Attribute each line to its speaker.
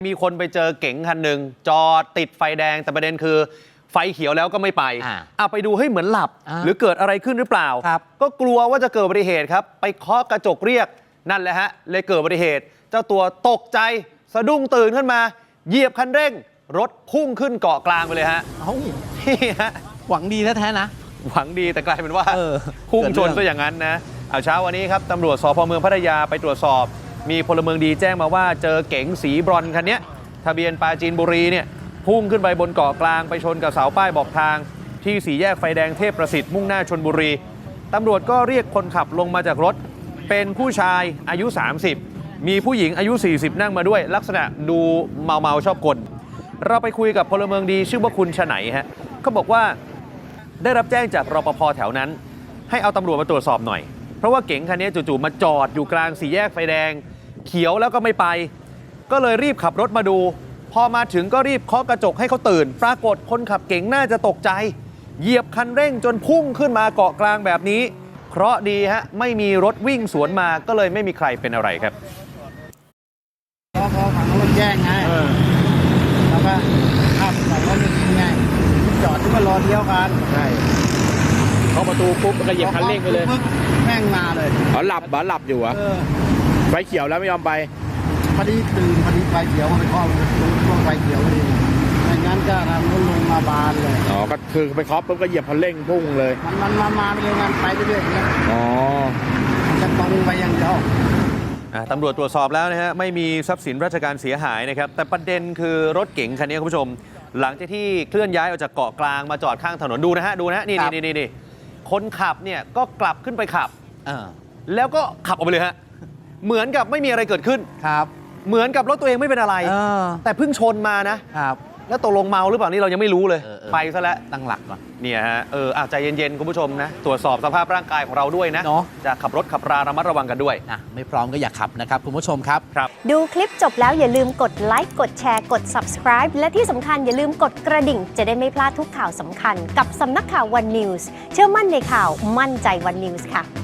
Speaker 1: มีคนไปเจอเก๋งคันหนึ่งจอดติดไฟแดงแต่ประเด็นคือไฟเขียวแล้วก็ไม่ไปไปดูให้เหมือนหลับหรือเกิดอะไรขึ้นหรือเปล่าก็กลัวว่าจะเกิดอุบัติเหตุครับไปเคาะกระจกเรียกนั่นแหละฮะเลยเกิดอุบัติเหตุเจ้าตัวตกใจสะดุ้งตื่นขึ้นมาเหยียบคันเร่งรถพุ่งขึ้นเกาะกลางไปเลยฮะนี่ฮะ
Speaker 2: หวังดีแท้ๆนะ
Speaker 1: หวังดีแต่กลายเป็นว่าพุ่งชนซะอย่างนั้นนะเช้าวันนี้ครับตำรวจสพ.เมืองพัทยาไปตรวจสอบมีพลเมืองดีแจ้งมาว่าเจอเก๋งสีบรอนซ์คันนี้ทะเบียนปราจีนบุรีเนี่ยพุ่งขึ้นไปบนเกาะกลางไปชนกับเสาป้ายบอกทางที่สี่แยกไฟแดงเทพประสิทธิ์มุ่งหน้าชลบุรีตำรวจก็เรียกคนขับลงมาจากรถเป็นผู้ชายอายุ30มีผู้หญิงอายุ40นั่งมาด้วยลักษณะดูเมาชอบกลเราไปคุยกับพลเมืองดีชื่อว่าคุณชไหนฮะเขาบอกว่าได้รับแจ้งจากรปภ.แถวนั้นให้เอาตำรวจมาตรวจสอบหน่อยเพราะว่าเก๋งคันนี้จู่ๆมาจอดอยู่กลางสี่แยกไฟแดงเขียวแล้วก็ไม่ไปก็เลยรีบขับรถมาดูพอมาถึงก็รีบเคาะกระจกให้เขาตื่นปรากฏคนขับเก๋งน่าจะตกใจเหยียบคันเร่งจนพุ่งขึ้นมาเกาะกลางแบบนี้เคราะห์ดีฮะไม่มีรถวิ่งสวนมาก็เลยไม่มีใครเป็นอะไรครับ
Speaker 3: พอฝั่งนู้นแย่งไงแล้วก็ขับฝั่งนู้นไงจอดที่มารอเลี้ยวกัน
Speaker 4: ใช่เข้าประตูปุ๊บมันก็เหยียบคันเร่งไปเลย
Speaker 3: แม่งมาเลย
Speaker 4: หลับอยู่เหรอไฟเขียวแล้วไม่ยอมไป
Speaker 3: พอดีตื่นพอดีไฟเขียวมันเคาะช่วงไฟเขียวพอดีไม่งั้นก็ทำรถลงมาบานเลย
Speaker 4: ก็คือไปเคาะปุ๊บก็เหยียบคันเร่งพุ่งเลย
Speaker 3: มันมาเรื่อยๆไปเรื่อยๆนะจะตรงไปอย่างเดียว
Speaker 1: ตำรวจตรวจสอบแล้วนะฮะไม่มีทรัพย์สินราชการเสียหายนะครับแต่ประเด็นคือรถเก๋งคันนี้คุณผู้ชมหลังจากที่เคลื่อนย้ายออกจากเกาะกลางมาจอดข้างถนนดูนะฮะนี่คนขับเนี่ยก็กลับขึ้นไปขับแล้วก็ขับออกไปเลยฮะเหมือนกับไม่มีอะไรเกิดขึ้น
Speaker 2: ครับ
Speaker 1: เหมือนกับรถตัวเองไม่เป็นอะไรแต่เพิ่งชนมานะครับแล้วตกลงเมาหรือเปล่านี่เรายังไม่รู้เลยไปซะแล้ว
Speaker 2: ตั้งหลักก่อน
Speaker 1: เนี่ยฮะใจเย็นๆคุณผู้ชมนะตรวจสอบสภาพร่างกายของเราด้วยนะจะขับรถขับราระมัดระวังกันด้วย
Speaker 2: ไม่พร้อมก็อย่าขับนะครับคุณผู้ชมครับ
Speaker 5: ดูคลิปจบแล้วอย่าลืมกดไลค์กดแชร์กด subscribe และที่สำคัญอย่าลืมกดกระดิ่งจะได้ไม่พลาดทุกข่าวสำคัญกับสำนักข่าว One News เชื่อมั่นในข่าวมั่นใจ One News ค่ะ